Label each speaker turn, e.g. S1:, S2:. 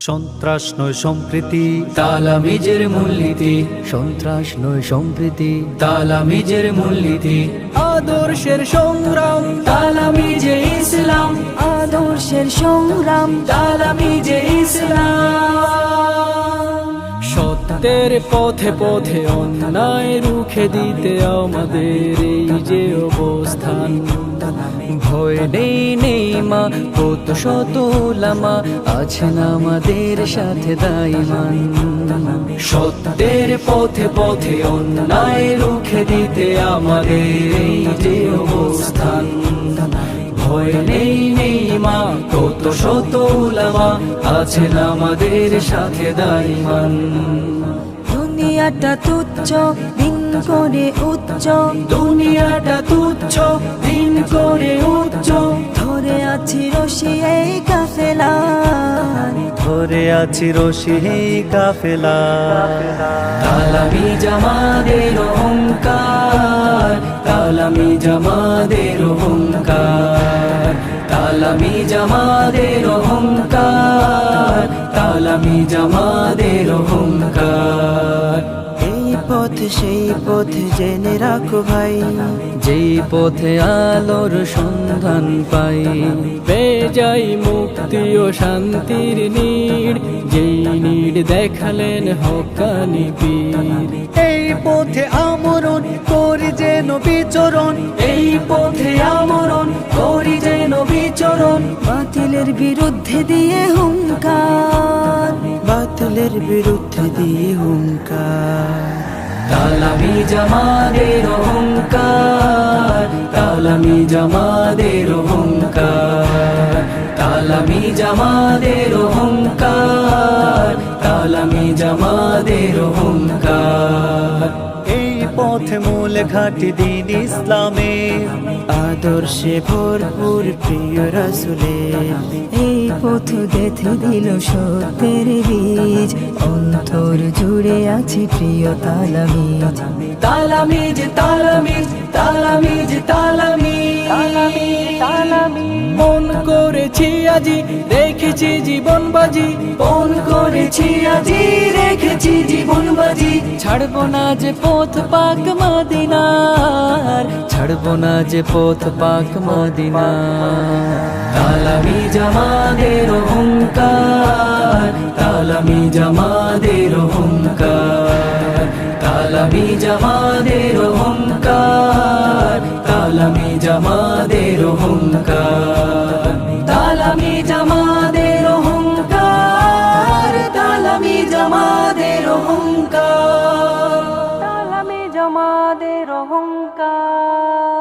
S1: সন্ত্রাস নয় সম্প্রীতি,
S2: তালামিজের মূলনীতি।
S3: সন্ত্রাস নয় সম্প্রীতি,
S2: তালামিজের মূলনীতি।
S1: আদর্শের সংগ্রাম,
S2: তালামিজে ইসলাম।
S3: আদর্শের সংগ্রাম,
S2: তালামিজে ইসলাম।
S1: সত্যের পথে পথে অন্যায় রুখে দিতে আমাদের এই যে অবস্থান।
S3: ভয় নেই মা, কত শত উলামা আছেন আমাদের সাথে দাইমান।
S2: সত্যের পথে পথে অন্যায় রুখে দিতে আমাদের এই যে অবস্থান। ভয় নেই মা, কত শত উলামা আছেন আমাদের সাথে দাইমান।
S3: দুনিয়াটা তুচ্ছ, দিন করে উচ্চ।
S2: দুনিয়াটা তুচ্ছ, দিন করে উচ্চ।
S3: ধরে আছি রশি এই কাফেলা,
S1: ধরে আছি রশি কাফেলা।
S2: তালামিজ আমাদের অহংকার, তালামিজ আমাদের অহংকার। তালামিজ আমাদের অহংকার, তালামিজ আমাদের অহংকার।
S3: এই পথ সেই পথ জেনে রাখো ভাই, যেই পথে আলোর সন্ধান পাই।
S1: পেয়ে যাই মুক্তি ও শান্তির নীড়, যেই নীড় দেখালেন হক্কানি পীর। এই পথে আমরণ করি যেন বিচরণ,
S2: এই পথে আমরণ করি যেন বিচরণ।
S3: বাতিলের বিরুদ্ধে দিয়ে হুঙ্কার, বাতিলের বিরুদ্ধে দিয়ে হুঙ্কার।
S2: তালামিজ আমাদের অহংকার, তালামিজ আমাদের অহংকার। তালামিজ আমাদের অহংকার, তালামিজ আমাদের অহংকার।
S1: এই পথে মূল ঘাটি দিন ইসলামের,
S3: আদর্শে ভরপুর প্রিয় রাসূলের। এই পথ গেঁথে দিল সত্যের বীজ, অন্তর জুড়ে আছে প্রিয় তালামিজ।
S2: তালামিজ তালামিজ তালামিজ তালামিজ।
S1: মন করেছি আজি রেখেছি জীবন বাজি,
S2: মন করেছি আজি রেখেছি জীবন বাজি।
S3: ছাড়বো না যে পথ পাক মদিনার, ছাড়বো না যে পথ পাক মদিনার।
S2: তালামিজ আমাদের অহংকার, তালামিজ আমাদের অহংকার। তালামিজ আমাদের অহংকার, তালামিজ আমাদের অহংকার। তালামিজ আমাদের অহংকার, তালামিজ আমাদের অহংকার।
S3: তালামিজ আমাদের অহংকার।